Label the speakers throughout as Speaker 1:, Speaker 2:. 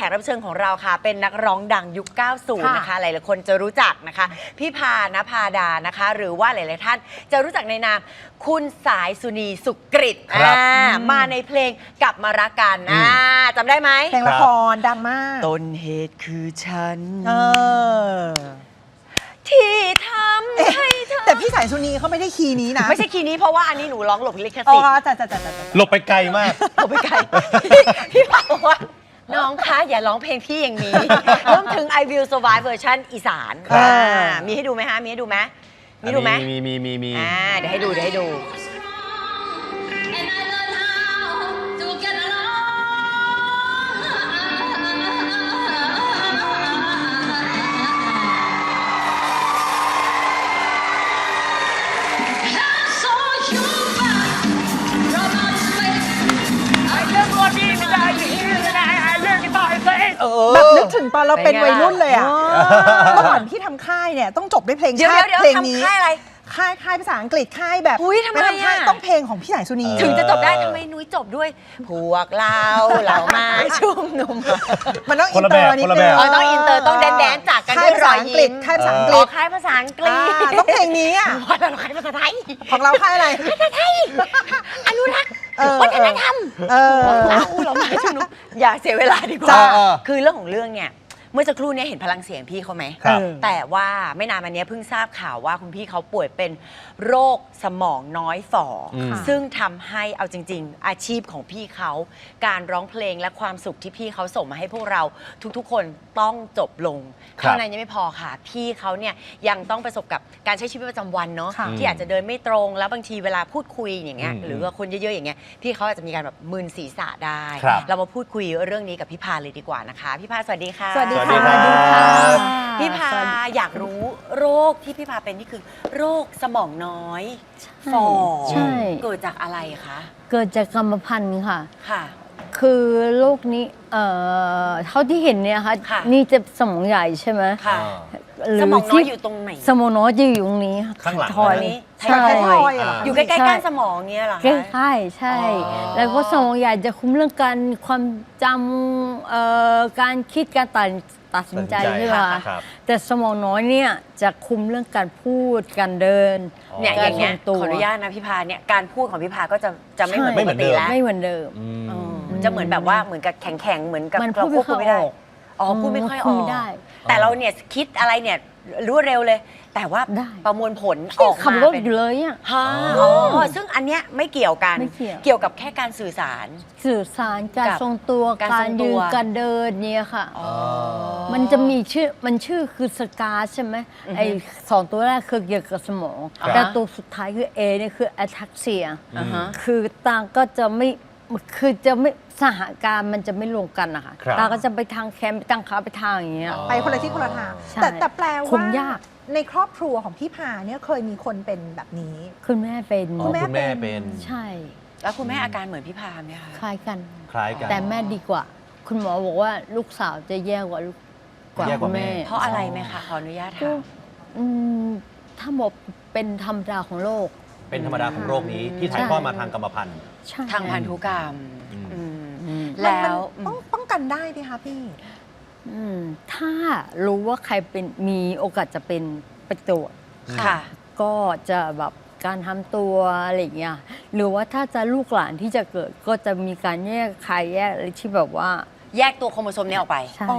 Speaker 1: กรับเชิญของเราค่ะเป็นนักร้องดังยุค 90 นะคะหลายๆคนจะรู้จักนะคะพี่พาณภาดานะคะหรือว่าหลายๆท่านจะรู้จักในนามคุณสายสุนีสุกฤตมาในเพลงกลับมารักกันจำได้ไหม
Speaker 2: เพลงละครดังมาก
Speaker 1: ต้นเหตุคือฉันที่ทำให้เธอ
Speaker 2: แต่พี่สายสุนีเขาไม่ได้คีย์นี้นะ
Speaker 1: ไม่ใช่คีย์นี้เพราะว่าอันนี้หนูร้องหลบลิขสิทธิ์
Speaker 3: หลบไปไกลมาก
Speaker 1: หลบไปไกลพี่พาบอกว่าน้องคะอย่าร้องเพลงพี่อย่างนี้รวมถึง I Will Survive เวอร์ชันอีสานมีให้ดูไหมฮะมีให้ดูไหมมีดูไหม
Speaker 3: มี
Speaker 1: เดี๋ยวให้ดู
Speaker 2: แบบนึกถึงตอนเราเป็นวัยรุ่นเลยอ่ะเมื่อก่อนพี่ทำค่ายเนี่ยต้องจบด้วยเพลงชาติเพลงนี้
Speaker 1: ค่ายอะไร
Speaker 2: ค่ายภาษาอังกฤษค่ายแบบ
Speaker 1: ทำไม
Speaker 2: ต้องเพลงของพี่สายสุนี
Speaker 1: ถึงจะจบได้ทำไมนุ้ยจบด้วยพวกเรามาชุมนุม
Speaker 2: มันต้องอินเตอร์นิดนึง
Speaker 1: ต้องอินเตอร์ต้องแดนจากกันด้วยรอยยิ้ม
Speaker 2: ค่ายภาษาอังกฤษ
Speaker 1: ค่ายภาษาอังกฤษ
Speaker 2: ต้องเพลงนี้อ่ะ
Speaker 1: เราค่ายภาษาไทย
Speaker 2: ของเราค่ายอะไร
Speaker 1: ภาษาไทยอนุรักษ์วัฒนธรรมเรามาชุมนุมอย่าเสียเวลาดีกว่าคือเรื่องของเรื่องเนี่ยเมื่อสักครู่นี้เห็นพลังเสียงพี่เขาไหมแต่ว่าไม่นานมานี้เพิ่งทราบข่าวว่าคุณพี่เขาป่วยเป็นโรคสมองน้อยฝ่อซึ่งทำให้เอาจริงๆอาชีพของพี่เขาการร้องเพลงและความสุขที่พี่เขาส่งมาให้พวกเราทุกๆคนต้องจบลงเท่านั้นยังไม่พอค่ะพี่เขาเนี่ยยังต้องประสบกับการใช้ชีวิตประจำวันเนาะที่อาจจะเดินไม่ตรงแล้วบางทีเวลาพูดคุยอย่างเงี้ยหรือว่าคนเยอะๆอย่างเงี้ยพี่เขาอาจจะมีการแบบมึนศีรษะได้เรามาพูดคุยเรื่องนี้กับพี่พาเลยดีกว่านะคะพี่พาสวัสดีค่ะ
Speaker 2: สวัสดีค่ะ
Speaker 1: พี่พาอยากรู้โรคที่พี่พาเป็นนี่คือโรคสมองน้อยฝ่อเกิดจากอะไรคะ
Speaker 4: เกิดจากกรรมพันธุ์ค่ะ
Speaker 1: ค่ะ
Speaker 4: คือโรคนี้เท่าที่เห็นเนี่ยค่ะนี่จะสมองใหญ่ใช่ไหม
Speaker 1: ค่ะสมองน้อยอยู่ตรงไหน
Speaker 4: สมองน้อยจะอยู่ตรงนี้
Speaker 3: ข้างหลัง
Speaker 1: นี้
Speaker 4: ใช่
Speaker 1: อยู่ใกล้ๆก้านสมองเงี้ยเหรอ
Speaker 4: ใช่ใช่แล้วก็สมองใหญ่จะคุมเรื่องการความจำการคิดการตัดสินใจใช่ไหมคะแต่สมองน้อยเนี่ยจะคุมเรื่องการพูดการเดิน
Speaker 1: เนี่ยอย่างเงี้ยขออนุญาตนะพี่พาเนี่ยการพูดของพี่พาก็จะไม่เหมือนปกติแล้ว
Speaker 4: ไม่เหมือนเดิม
Speaker 1: จะเหมือนแบบว่าเหมือนกับแข็งเหมือนกับเราควบคุมไม่ได้พูดไม่ค่อยออกแต่เราเนี่ยคิดอะไรเนี่ยรู้เร็วเลยแต่ว่าประมวลผลออกมา
Speaker 4: เป็นอยู่เลยอ่ะ
Speaker 1: ซึ่งอันเนี้ยไม่เกี่ยวกันเกี่ยวกับแค่การสื่อสาร
Speaker 4: การทรงตัวการยืนการเดินเนี่ยค่ะมันจะมีชื่อคือสกาใช่ไหมไอ้2ตัวแรกคือเกี่ยวกับสมองแต่ตัวสุดท้ายคือ A เนี่ยคือ ataxia คือตาก็จะไม่คือจะไม่สหการมันจะไม่ลงกันนะคะตาก็จะไปทางแคมไปทางขาไปทางอย่างเงี้ย
Speaker 2: ไปคนละที่คนละทางแต่แปลว่าในครอบครัวของพี่พาเนี่ยเคยมีคนเป็นแบบนี้
Speaker 4: คุณแม่เป็น
Speaker 3: คุณแม่เป็น
Speaker 4: ใช่
Speaker 1: แล้วคุณแม่อาการเหมือนพี่พาไหมคะ
Speaker 4: คล้ายกัน
Speaker 3: แต่
Speaker 4: แม่ดีกว่าคุณหมอบอกว่าลูกสาวจะแย่กว่าคุณแม่
Speaker 1: เพราะอะไรไหมคะขออนุญาตถาม
Speaker 4: ถ้าบอกเป็นธรรมดาของโรค
Speaker 3: เป็นธรรมดาของโรคนี้ที่ถ่ายทอดมาทางกรรมพันธุ์
Speaker 1: ทางพันธุกรรมแล้ว
Speaker 2: ต้องป้องกันได้ไหมคะพี่
Speaker 4: ถ้ารู้ว่าใครเป็นมีโอกาสจะเป็นไปตรวจก็จะแบบการทำตัวอะไรอย่างเงี้ยหรือว่าถ้าจะลูกหลานที่จะเกิดก็จะมีการแยกใครแยกอะไรที่แบบว่า
Speaker 1: แยกตัวโครโมโซมนี้ออกไป
Speaker 4: ใช่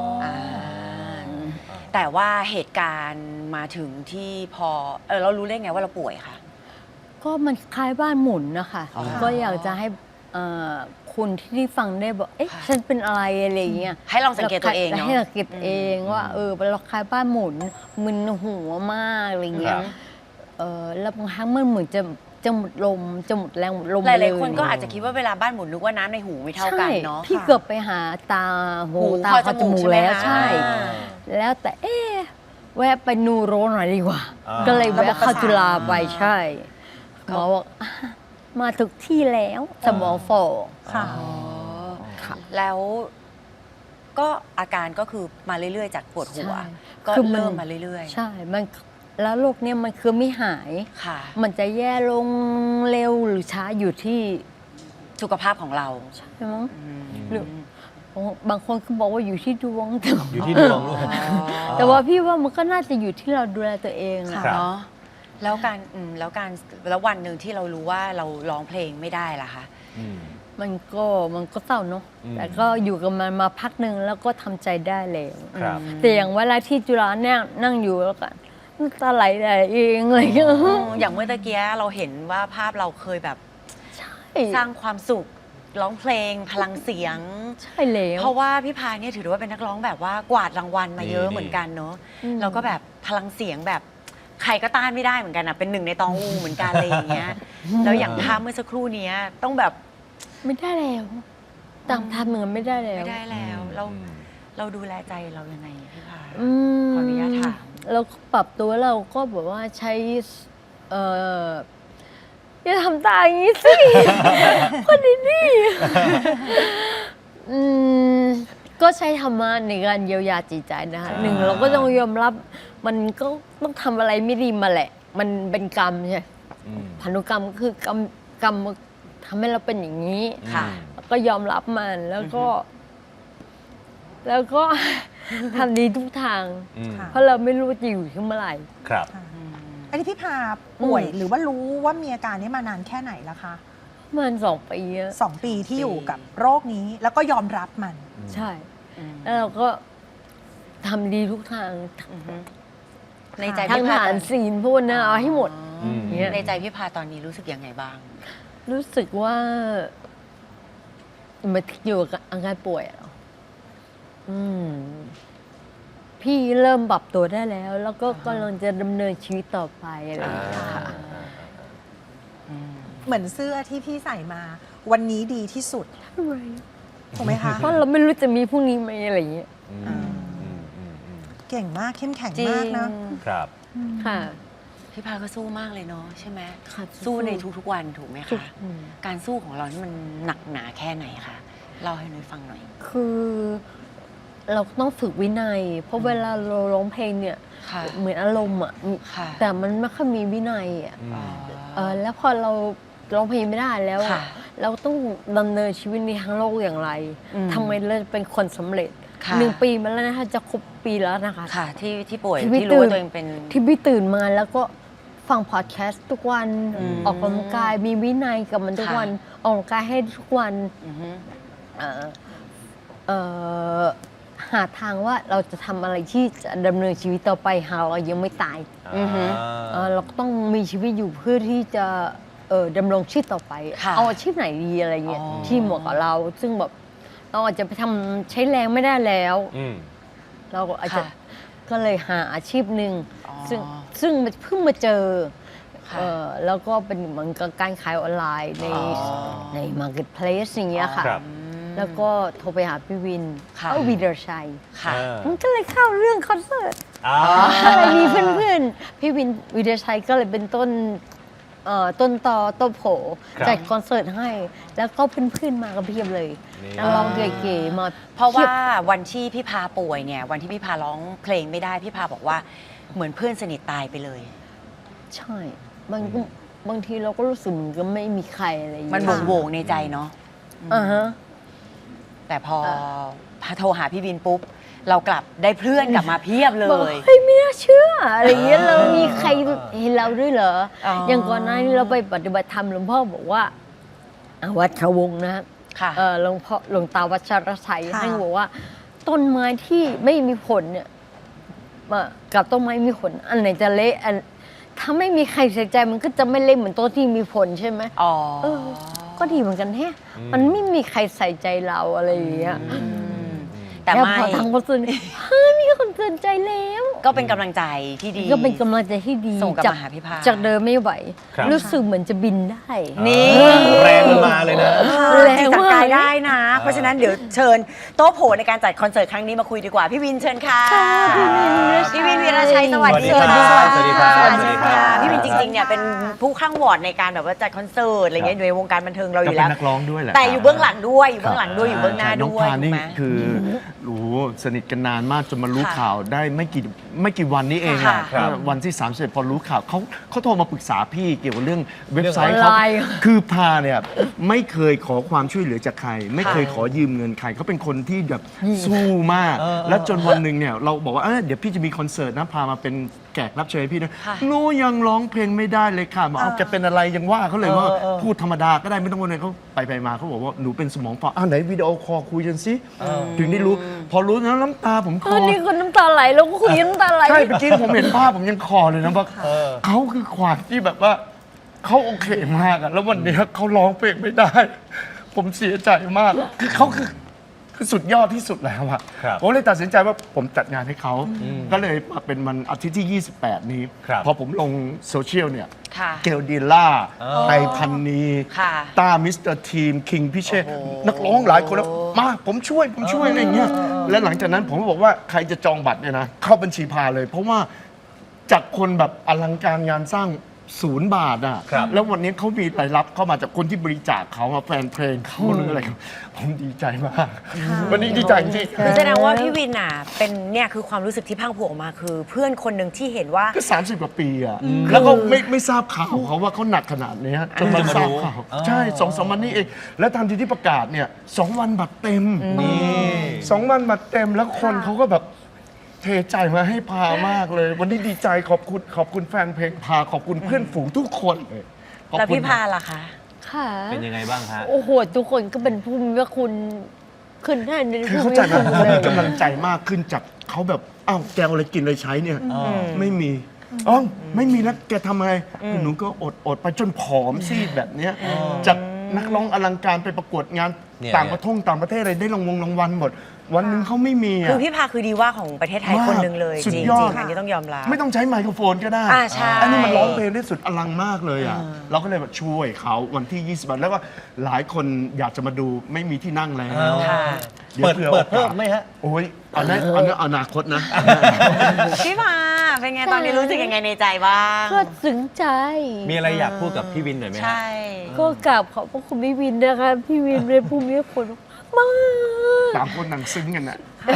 Speaker 1: แต่ว่าเหตุการณ์มาถึงที่พอเรารู้ได้ไงว่าเราป่วยคะ
Speaker 4: ก็มันคล้ายบ้านหมุนนะคะก็อยากจะให้คุณที่ฟังได้บอกฉันเป็นอะไรอะไรเงี้ย
Speaker 1: ให้ลองสังเกตตัวเองเนาะ
Speaker 4: ให้สังเกตเองว่าเราคล้ายบ้านหมุนมึนหัวมากอะไรเงี้ยแล้วบางครั้งมันเหมือนจะหมดลมจะหมดแรงหมดลม
Speaker 1: หลายๆคนก็อาจจะคิดว่าเวลาบ้านหมุนนึกว่าน้ำในหูไม่เท่ากันเนาะ
Speaker 4: พี่เกือบไปหาตาหูตาจมูกแล้วใช่แล้วแต่แวะไปนูโรหน่อยดีกว่าก็เลยแวะเข้าจุฬาไปใช่หมอบอกมาถึงที่แล้วสมองฝ่อ
Speaker 1: ค่ะแล้วก็อาการก็คือมาเรื่อยๆจากปวดหัวก็เริ่มมาเรื่อย
Speaker 4: ๆใช่มันแล้วโรคนี้มันคือไม่หายมันจะแย่ลงเร็วหรือช้าอยู่ที่
Speaker 1: สุขภาพของเรา
Speaker 4: ใช่ไหมหรือบางคนก็บอกว่าอยู่ที่ดวง
Speaker 3: อยู่ที่ดวงด้วย
Speaker 4: แต่ว่าพี่ว่ามันก็น่าจะอยู่ที่เราดูแลตัวเองอะ
Speaker 3: ครับ
Speaker 1: เนาะแล้วแล้ววันหนึ่งที่เรารู้ว่าเราร้องเพลงไม่ได้ล่ะคะ
Speaker 3: อืม
Speaker 4: มันก็เศร้าเนาะ
Speaker 3: อืม
Speaker 4: แต่ก็อยู่กับมันมาพักหนึ่งแล้วก็ทำใจได้แล้ว
Speaker 3: ครับ
Speaker 4: แต่อย่างเวลาที่จุฬาเนี่ยนั่งอยู่แล้วกันน้ำตาไหลเองอะไรอย่างเงี้ย
Speaker 1: อย่างเมื่อตะกี้เราเห็นว่าภาพเราเคยแบบ
Speaker 4: ใช่
Speaker 1: สร้างความสุขร้องเพลงพลังเสียง
Speaker 4: ใช่แล้ว
Speaker 1: เพราะว่าพี่พาเนี่ยถือว่าเป็นนักร้องแบบว่ากวาดรางวัลมาเยอะ
Speaker 3: นี่
Speaker 1: เหมือนกันเนอะ
Speaker 4: อืม
Speaker 1: แล้วก็แบบพลังเสียงแบบใครก็ต้านไม่ได้เหมือนกันอ่ะเป็นหนึ่งในตองอูเหมือนกันอะไรอย่างเงี้ยแล้วอย่างภาพเมื่อสักครู่เนี้ยต้องแบบ
Speaker 4: ไม่ได้แล้วตามทำเหมือนไม่ได้แล้ว
Speaker 1: ไม่ได้แล้วเราดูแลใจเรายังไงพี่พา
Speaker 4: อืม
Speaker 1: ขออนุญาตถาม
Speaker 4: เราก็ปรับตัวเราก็แบบว่าใช้อย่าทำตาอย่างนี้สิ คนดีๆก็ใช้ธรรมะในการเยียวยาจิตใจนะคะหนึ่งเราก็ต้องยอมรับมันก็ต้องทำอะไรไม่ดีมาแหละ มันเป็นกรรมใช่
Speaker 3: อืม
Speaker 4: พันธุกรรมคือกรรมทำให้เราเป็นอย่างนี้
Speaker 1: ค่ะ
Speaker 4: แล้วก็ยอมรับมันแล้วก็ ทำดีทุกทาง
Speaker 3: อืม
Speaker 2: ค่ะ
Speaker 4: เพราะเราไม่รู้ว่าจะอยู่ถึงเมื่อไหร่
Speaker 3: ครับ
Speaker 2: อันนี้พี่พาป่วย
Speaker 4: อืม
Speaker 2: หรือว่ารู้ว่ามีอาการนี้มานานแค่ไหนแล้วคะ
Speaker 4: ประมัน2 ปีอะ
Speaker 2: 2 ปีที่อยู่กับโรคนี้แล้วก็ยอมรับมัน
Speaker 4: ใช่ แล้วเราก็ทำดีทุกทาง
Speaker 1: ในใจ
Speaker 4: ทั้ง
Speaker 1: พี่
Speaker 4: ท
Speaker 1: พา
Speaker 4: หารศีลพวกนั้นเอาให้หมด
Speaker 3: อืม
Speaker 4: เนี่ย
Speaker 1: ในใจพี่พาตอนนี้รู้สึกยังไงบ้าง
Speaker 4: รู้สึกว่ามันอยู่กับอาการป่วยอะพี่เริ่มปรับตัวได้แล้ว แล้วก็กำลังจะดำเนินชีวิตต่อไปอะไรอย่างเงี้ยค่ะ
Speaker 2: เหมือนเสื้อที่พี่ใส่มา วันนี้ดีที่สุดถูกไหมคะ
Speaker 4: เพราะเราไม่รู้จะมีพรุ่งนี้ไหมอะไรอย่างเงี้ย
Speaker 3: อืมอืมอืมอืม
Speaker 2: เก่งมากเข้มแข็ง
Speaker 1: จริ
Speaker 2: มากนะ
Speaker 1: ง
Speaker 3: ครับ
Speaker 4: ค่ะ
Speaker 1: พี่พาก็สู้มากเลยเนาะใช่ไหม
Speaker 4: ค่ะ
Speaker 1: สู้ในทุกๆวันถูกไหม
Speaker 4: ทุก
Speaker 1: คะ การสู้ของเรานี่มันหนักหนาแค่ไหนคะเล่าให้หน่อยฟังหน่อย
Speaker 4: คือเราต้องฝึกวินัย เพราะเวลาเราร้องเพลงเนี่ย
Speaker 1: ค่ะ
Speaker 4: เหมือนอารมณ์อ่ะ
Speaker 1: ค่ะ
Speaker 4: แต่มันไม่ค่อยมีวินัยอ่ะ
Speaker 1: อ๋อ
Speaker 4: แล้วพอเราร้องเพลงไม่ได้แล้ว
Speaker 1: ค่ะ
Speaker 4: เราต้องดำเนินชีวิตในทางโลกอย่างไร
Speaker 1: อืม
Speaker 4: ทำไมเราเป็นคนสำเร็จ
Speaker 1: ค่ะ
Speaker 4: 1 ปีมาแล้วนะคะจะครบปีแล้วนะคะ
Speaker 1: ค่ะที่ป่วย
Speaker 4: ที่พี่
Speaker 1: ที่รู้ว่า
Speaker 4: ตื่น
Speaker 1: ตัวเองเป็น
Speaker 4: ที่พี่ตื่นมาแล้วก็ฟังพอดแคสต์ทุกวัน
Speaker 1: อืม
Speaker 4: ออกกำลังกายมีวินัยกับมันทุก
Speaker 1: ค่ะ
Speaker 4: วันออกกำลังกายให้ทุกวัน
Speaker 1: อือฮึ
Speaker 4: เอ่อเอ่อหาทางว่าเราจะทำอะไรที่จะดำเนินชีวิตต่อไปหาเรายังไม่ตาย
Speaker 1: อือฮึ
Speaker 4: เราก็ต้องมีชีวิตอยู่เพื่อที่จะดำรงชีพต่อไป
Speaker 1: ค่ะ
Speaker 4: เอาอาชีพไหนดีอะไรเงี้ย
Speaker 1: อ๋อ
Speaker 4: ที่เหมาะกับเรา ซึ่งแบบเราอาจจะไปทำใช้แรงไม่ได้แล้ว
Speaker 3: อืม
Speaker 4: เราก็อาจจะ
Speaker 1: ค่ะ
Speaker 4: ก็เลยหาอาชีพหนึ่ง
Speaker 1: อ๋อ
Speaker 4: ซึ่งเพิ่งมาเจอ
Speaker 1: ค่ะ
Speaker 4: แล้วก็เป็นเหมือนกับการขายออนไลน์ใน
Speaker 1: อ๋อ
Speaker 4: ใน Marketplace อย่างเงี้ยค่ะ
Speaker 3: ครับ
Speaker 4: แล้วก็โทรไปหาพี่วิน
Speaker 1: ค่ะ
Speaker 4: วีเดอร์ชัย
Speaker 1: ค่ะ
Speaker 4: มันก็เลยเข้าเรื่องคอนเสิร์ต
Speaker 3: อ่า
Speaker 4: ก็เลยมีเพื่อนๆ พี่วินวีเดอร์ชัยก็เลยเป็นต้นต่อต้นโผ
Speaker 3: ครับ
Speaker 4: จัดคอนเสิร์ตให้ แล้วก็เพื่อนๆมากันเพียบเลย
Speaker 3: นี่
Speaker 4: นักร้องเก๋ๆมา
Speaker 1: เพราะ
Speaker 4: พีย
Speaker 1: ว่า
Speaker 4: บ
Speaker 1: วันที่พี่พาป่วยเนี่ยวันที่พี่พาร้องเพลงไม่ได้พี่พาบอกว่าเหมือนเพื่อนสนิทตายไปเลย
Speaker 4: ใช่บางทีเราก็รู้สึกเหมือนกับไม่มีใครอะไรอย่าง
Speaker 1: มัน
Speaker 4: เงี้ย
Speaker 1: โหวงๆในใจเนาะ
Speaker 4: อ่าฮะ
Speaker 1: แต่พอพาโทรหาพี่บินปุ๊บ เรากลับได้เพื่อนกลับมาเพียบเล
Speaker 4: บอก
Speaker 1: ย
Speaker 4: เฮ้ยไม่น่าเชื่ออะไรอย่างเงี้ยเรามีใครเห็นเราด้วยเหรอ
Speaker 1: อ๋ออ
Speaker 4: อย่างก่อนหน้านี้เราไปปฏิบัติธรรมหลวงพ่อบอกว่าวัดเขาวงนะ
Speaker 1: ค่ะ
Speaker 4: หลวงตาวัชรชัย
Speaker 2: ค่ะ
Speaker 4: ท่านบอกว่า ต้นไม้ที่ไม่มีผลเนี่ยกับต้นไม้มีผล อันไหนจะเละถ้าไม่มีใครใส่ใจมันก็จะไม่เละเหมือนต้นที่มีผลใช่ไหม
Speaker 1: อ๋อ
Speaker 4: เออ ก็ดีเหมือนกันแฮะมันไม่มีใครใส่ใจเราอะไรอย่างเงี้ย
Speaker 1: แต่
Speaker 4: แล้ว
Speaker 1: ไม่
Speaker 4: พอทางคอนเสิร์ตเฮ้ยมีคนสนใจแล้ว
Speaker 1: ก็เป็นกำลังใจที่ดี
Speaker 4: ก็เป็นกำลังใจที่ดี
Speaker 1: ส่งกลับมาหาพี่พา
Speaker 4: จากเดิมไม่ไหว
Speaker 3: ครับ
Speaker 4: รู้สึกเหมือนจะบินได้
Speaker 1: นี่
Speaker 3: แรงมันมาเลยนะ
Speaker 4: แรง
Speaker 1: จิต
Speaker 4: มาก
Speaker 1: สั่งกายได้นะ เพราะฉะนั้นเดี๋ยวเชิญโต๊ะโผในการจัดคอนเสิร์ตครั้งนี้มาคุยดีกว่า พี่วินเชิญค่ะ พี่วินวีระชัยสวัสดี
Speaker 3: สวัสดี
Speaker 1: ค่ะ
Speaker 3: ครับสวัสดีครับ
Speaker 1: สวัส
Speaker 3: สวัสดี
Speaker 1: ดี
Speaker 3: ครั
Speaker 1: ค่ะ
Speaker 3: บ
Speaker 1: พี่วินจริงๆเนี่ยเป็นผู้ข้างวอร์ดในการแบบว่าจัดคอนเสิร์ตอะไรเงี้ยอยู่ในวงการบันเทิงเราอ
Speaker 5: ก็
Speaker 1: ยู่
Speaker 5: เป็
Speaker 1: แล้ว
Speaker 5: นนักร้องด้วยแหละ
Speaker 1: แต่อยู่เบื้องหลังด้วยอยู่
Speaker 5: ครับ
Speaker 1: เบื้องหลังด้วยอยู่เบื้องหน้า
Speaker 5: ใช่น้อง
Speaker 1: ด้วย
Speaker 5: พา
Speaker 1: ถูก
Speaker 5: นี่
Speaker 1: ไหม
Speaker 5: คือโอ้โหสนิทกันนานมากจนมารู้
Speaker 1: ค่ะ
Speaker 5: ข่าวได้ไม่กี่วันนี้เอง
Speaker 1: ค่ะ
Speaker 5: อะวันที่31พอรู้ข่าวเขาโทรมาปรึกษาพี่เกี่ยวกับเรื่องเว็บไซต์
Speaker 4: เรื่อง
Speaker 5: เขา
Speaker 4: อะไร
Speaker 5: คือพาเนี่ยไม่เคยขอความช่วยเหลือจากใคร ไม่เคยขอยืมเงินใครเขาเป็นคนที่แบบสู้มาก แล้วจนวันหนึ่งเนี่ยเราบอกว่าเดี๋ยวพี่จะมีคอนเสิร์ตนะพามาเป็นแขกรับเชิญให้พี่นะ
Speaker 1: ค่ะ
Speaker 5: หนูยังร้องเพลงไม่ได้เลยค่ะบอกเอาแกเป็นอะไรยังว่าเขาเลยว่าพูดธรรมดาก็ได้ไม่ต้องวันไหนเขาไปมาเขาบอกว่าหนูเป็นสมองฝ่อไหนวิดีโอคอลคุยกันสิถึงได้รู้ พอรู้แล้วน้ำตาผมคลอ
Speaker 4: นี่คนน้ำตาไหลแล้วก็คุยน้ำตาไหล
Speaker 5: ใช่เมื่อกี้ผมเห็นภาพผมยังคอเลยนะว่าเขาคือขวานที่แบบว่าเขาโอเคมากอะแล้ววันนี้เขาร้องเพลงไม่ได้ ผมเสียใจมากคือเขาคือสุดยอดที่สุดแล้วอะ
Speaker 3: ครับ
Speaker 5: ผมเลยตัดสินใจว่าผมจัดงานให้เขาก็เลยมาเป็นวันอาทิตย์ที่ 28 นี้
Speaker 3: ครับ
Speaker 5: พอผมลงโซเชียลเนี่ย
Speaker 1: ค่ะ
Speaker 5: เกลดีล่า
Speaker 3: อ๋อ
Speaker 5: ไทยพันนี
Speaker 1: ค่ะ
Speaker 5: ต้ามิสเตอร์ทีมคิงพิเชษนักร้องหลายคนแล้วมาผมช่วยอะไรอย่างเงี้ยและหลังจากนั้นผมก็บอกว่าใครจะจองบัตรเนี่ยนะเข้าบัญชีพาเลย เพราะว่าจากคนแบบอลังการงานสร้าง0 บาทอ่ะ
Speaker 3: ครับ
Speaker 5: แล้ววันนี้เขามีรายรับเข้ามาจากคนที่บริจาคเขาแฟนเพลงเขาหรืออะไรครับผมดีใจมาก วันนี้ดีใจจริง
Speaker 1: คือแสดงว่าพี่วินอ่ะเป็นเนี่ยคือความรู้สึกที่พังผูกออกมาคือ เพื่อนคนหนึ่งที่เห็นว่า
Speaker 5: ก็30 กว่าปีอ่ะแล้วก็ไม่ทราบข่าวเขาว่าเขาหนักขนาดนี้จนมาทราบข่าวใช่2-3 วันนี้เองแล้วทันทีที่ประกาศเนี่ย2 วันบัตรเต็ม
Speaker 3: นี่
Speaker 5: 2 วันบัตรเต็มแล้วคนเขาก็แบบเทใจมาให้พามากเลย วันนี้ดีใจขอบคุณแฟนเพลงพาขอบคุณเพื่อนฝูงทุกคนเลยขอบ
Speaker 1: แล้ว
Speaker 5: คุณ
Speaker 1: พี่พาล่ะคะ
Speaker 4: ค่ะ
Speaker 3: เป็นยังไงบ้างฮะ
Speaker 4: โอ้โหทุกคนก็เป็นผู้มีพระคุณขึ้นให้ใน
Speaker 5: คือ
Speaker 4: ผู้
Speaker 5: เข้า
Speaker 4: มี
Speaker 5: ใจ
Speaker 4: พ
Speaker 5: ไหม
Speaker 4: ระคุณ
Speaker 5: เขา
Speaker 4: เล
Speaker 5: มี
Speaker 4: ย
Speaker 5: กำลังใจมากขึ้นจากเขาแบบอ้าวแกเอาอะไรกินอะไรใช้เนี่ยไม่มีอ๋อไม่มีแล้วแกทำไงหนูก็อดไปจนผอมซีดแบบเนี้ยจากนักร้องอลังการไปประกวดงาน
Speaker 3: เนี่ย
Speaker 5: ต่างประเทศอะไรได้รางวัลหมด วันหนึงเขาไม่มี
Speaker 1: คือ
Speaker 5: อ่ะ
Speaker 1: พี่พาคือดีว่าของประเทศไทย
Speaker 5: มาก
Speaker 1: คนหนึ่งเลย
Speaker 5: สุ
Speaker 1: จ
Speaker 5: ด
Speaker 1: ริง
Speaker 5: ยอด
Speaker 1: ๆอันนี้ต้องยอมรับ
Speaker 5: ไม่ต้องใช้ไมโครโฟนก็ได้
Speaker 1: ใช่
Speaker 5: อันนี้มันร้องเพลงได้สุดอลังมากเลยอ่ะ เราก็เลยแบบช่วยเขาวันที่ 20 วันแล้วก็หลายคนอยากจะมาดูไม่มีที่นั่งแล้ว
Speaker 1: ค่ะ
Speaker 5: ดี๋ยว
Speaker 3: เปิด
Speaker 5: ผื่
Speaker 3: เพิ่
Speaker 5: อ
Speaker 3: มไหมฮะ
Speaker 5: โอ้ยเอานะอนาคตนะ
Speaker 1: พี่พาเป็นไงตอนนี้รู้สึกยังไงในใจบ้าง
Speaker 4: ก็ซึ้งใจ
Speaker 3: มีอะไรอยากพูดกับพี่วินหน่อยไหมฮะ
Speaker 1: ใช่
Speaker 4: ก็กราบขอบพระคุณพี่วินนะคะ พี่วินเป็นผู้มีพระคุณมาก
Speaker 5: ต่างคนต่างซึ้งกันนะ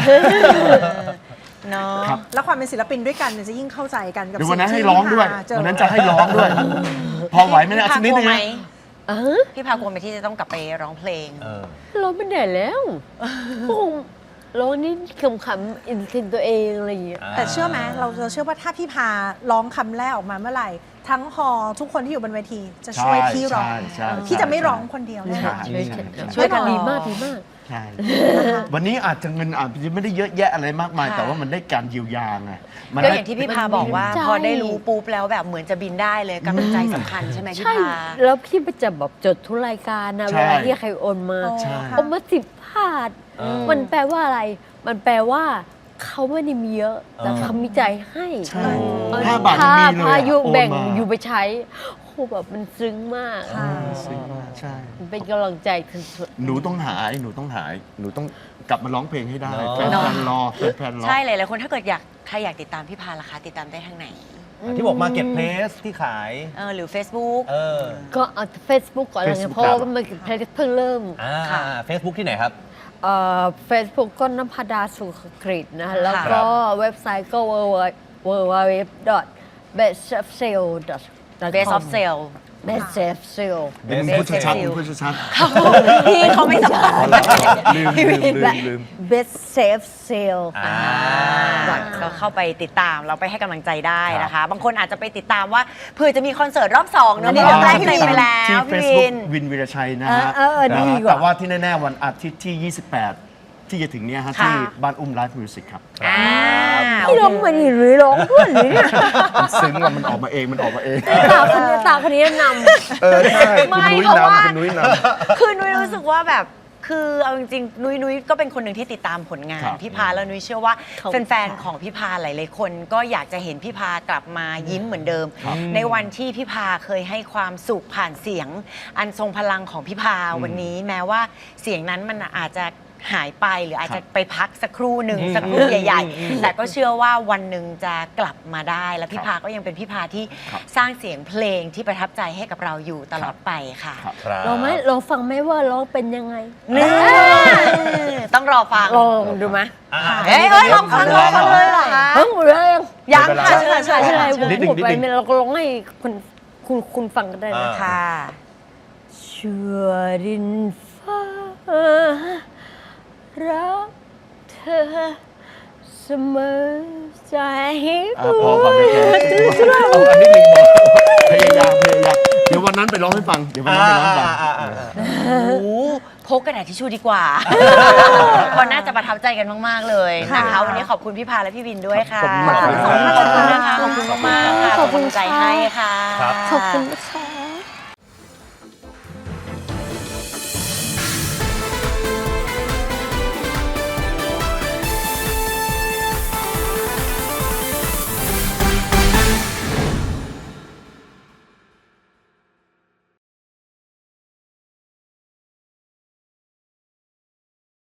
Speaker 1: เนาะ
Speaker 5: ครับ
Speaker 2: แล้วความเป็นศิลปินด้วยกันเนี่ยจะยิ่งเข้าใจกันกับ
Speaker 5: เดี๋ยววัน
Speaker 2: สิ่
Speaker 5: นั้น
Speaker 2: ที่
Speaker 5: ให้ร้องด้วย
Speaker 2: พี่พาเจอ
Speaker 5: วันนั้นจะให้ร้องด้วย พอไหวไหมเนี่ย
Speaker 1: พี่
Speaker 5: สั
Speaker 1: พาก
Speaker 5: นิด
Speaker 1: กลั
Speaker 5: นึ
Speaker 1: ว
Speaker 5: ง
Speaker 1: ไหม
Speaker 5: นะ
Speaker 1: พี่พากลัวไหมที่จะต้องกลับไปร้องเพลง
Speaker 3: เออ
Speaker 4: ร้องไม่ได้แล้วคงร้องนี่ขำๆอินเทนตัวเองอะไรอย่างเงี้ย
Speaker 2: แต่เชื่อไหมเราเชื่อว่าถ้าพี่พาร้องคำแรกออกมาเมื่อไหร่ ทั้งฮอลล์ทุกคนที่อยู่บนเวทีจะช่วยพี่ร้อง
Speaker 5: ใช่
Speaker 2: พี่จะไม่ร้องคนเดียวแน่นอน
Speaker 1: ช่วยกันร้อง
Speaker 4: ดีมากดีมาก
Speaker 5: ใช่วันนี้อาจจะเงินอาจจะไม่ได้เยอะแยะอะไรมากมาย
Speaker 1: ค่ะ
Speaker 5: แต่ว่ามันได้การเยียวยาไงมัน
Speaker 1: ก็
Speaker 5: ได้
Speaker 1: อย่างที่พี่พาบอกว่า
Speaker 4: ใช่
Speaker 1: พอได้รู้ปุ๊บแล้วแบบเหมือนจะบินได้เลยกำลังใจสำคัญใช่ไหมพี่
Speaker 4: ใช่
Speaker 1: พา
Speaker 4: แล้วพี่ไปจะแบบจดทุกรายการนะ
Speaker 5: ใช่
Speaker 4: เวลาที่ใครโอนมา
Speaker 5: ใช่
Speaker 4: โอนมา10 บาท มันแปลว่าอะไร มันแปลว่าเขาไม่ได้มีเยอะ แต่เขามีใจให้
Speaker 5: ใช่
Speaker 4: เออ
Speaker 5: 5 บาทยังมีเลย
Speaker 4: พายุ
Speaker 5: โอน
Speaker 4: แบ่ง
Speaker 5: มา
Speaker 4: อยู่ไปใช้โอ้แบบมันซึ้งมาก
Speaker 5: ซึ้งมากใช่
Speaker 4: มันเป็นกำลังใจสุด
Speaker 5: หนูต้องหายหนูต้องกลับมาร้องเพลงให้ได้
Speaker 3: เนอะ
Speaker 5: แฟนๆรอแฟนๆรอ
Speaker 1: ใช่หลายๆคนถ้าเกิดใครอยากติดตามพี่พาล่ะคะติดตามได้ทางไหน
Speaker 3: ที่บอกมาเก็ตเพลสที่ขาย
Speaker 1: หรือ Facebook
Speaker 3: เออ
Speaker 4: ๆ ก็เอาเฟซบุ๊กก่อนอะไรเงี้ย
Speaker 5: Facebook
Speaker 4: เพราะว่ามันเพิ่งเริ่ม
Speaker 1: ค่ะ
Speaker 3: เฟซบุ๊กที่ไหนครับ
Speaker 4: เฟซบุ๊กก็นภดาสุขกฤษนะ แล้ว
Speaker 3: ครั
Speaker 4: ก็
Speaker 3: บ
Speaker 4: เว็บไซต์ก็ www.bestofsale.com
Speaker 1: Best of Sale
Speaker 4: Best of Sale
Speaker 5: เป็นพูดชัดๆพูดชัด
Speaker 1: พี่เขาไม่สบาย
Speaker 5: ๆลืม
Speaker 4: Best Safe Sale
Speaker 1: ก็เข้าไปติดตามเราไปให้กำลังใจได้นะคะ บางคนอาจจะไปติดตามว่าเผื่อจะมีคอนเสิร์ตรอบ2เนอะนี่รอบแรกเต็มไปแล้ว
Speaker 5: ที่
Speaker 1: พี่
Speaker 5: Facebook
Speaker 1: วิน
Speaker 5: วินวีรชัยนะฮะ
Speaker 4: ดีกว่า
Speaker 5: แต่ว่าที่แน่ๆวันอาทิตย์ที่ 28 ที่จะถึงเนี้ยฮะ
Speaker 1: ค่ะ
Speaker 5: ที่บ้านอุ้มไลฟ์มิวสิกครับ
Speaker 4: ที่ร้องมันหรือร้องด้วยหรือเนี่ย
Speaker 5: มันซึ้งว่ามันออกมาเอง
Speaker 4: ตาคนนี้นำ
Speaker 5: ใช่คุณ
Speaker 1: ไม่
Speaker 5: นุ้ย
Speaker 1: เพราะว่า
Speaker 5: นำคุณนุ้ยนำ
Speaker 1: คือนุ้ยรู้สึกว่าแบบคือเอาจริงๆนุ้ยก็เป็นคนหนึ่งที่ติดตามผลงาน
Speaker 5: ครับ
Speaker 1: พี่พาแล้วนุ้ยเชื่อว่า
Speaker 4: ขอบคุณ
Speaker 1: แฟนๆของพี่พาหลายๆคนก็อยากจะเห็นพี่พากลับมายิ้มเหมือนเดิม ในวันที่พี่พาเคยให้ความสุขผ่านเสียง อันทรงพลังของพี่พาวันนี้แม้ว่าเสียงนั้นมันอาจจะหายไปหรืออาจจะไปพักสักครู่หนึ่งสักครู่ใหญ่ ๆ แต่ก็เชื่อว่าวันหนึ่งจะกลับมาได้ และพี่พาก็ยังเป็นพี่พาที่สร้างเสียงเพลงที่ประทับใจให้กับเราอยู่ตลอดไปค่ะ
Speaker 3: ครับ
Speaker 4: ลองไหมลองฟังไหมว่าร้องเป็นยังไง
Speaker 1: นี่ต้องรอฟัง
Speaker 4: ลองดูไหม
Speaker 1: เฮ้ยลองฟังเลยเหรอคะ
Speaker 4: เฮ้ยหมดแล้วยัง
Speaker 1: ยังค่ะเชิญ
Speaker 4: ใช่ใช่
Speaker 3: นิดหนึ่ง
Speaker 4: หมดไปไม่เราก็ร้องให้คุณฟังกันได้นะ
Speaker 1: ค่ะ
Speaker 4: ชั่วดินฟ้ารักเธอเสมอใจ
Speaker 5: พอก่อนเลยแกเอาอันนี้หนึ่งบอกพยายามเดี๋ยววันนั้นไปร้องให้ฟังเดี๋ยววันนั้นไปร้องให้ฟัง
Speaker 1: โอ้โหพกกระดาษทิชชู่ดีกว่าเพราะน่าจะประทับใจกันมากๆเลยนะคะวันนี้ขอบคุณพี่พาและพี่วินด้วยค่ะ
Speaker 5: ขอบคุณมาก
Speaker 1: ขอบคุณนะคะขอบคุณมากๆค่ะขอบคุณใจให้ค่ะ
Speaker 3: ครับ
Speaker 4: ขอบคุณค่ะ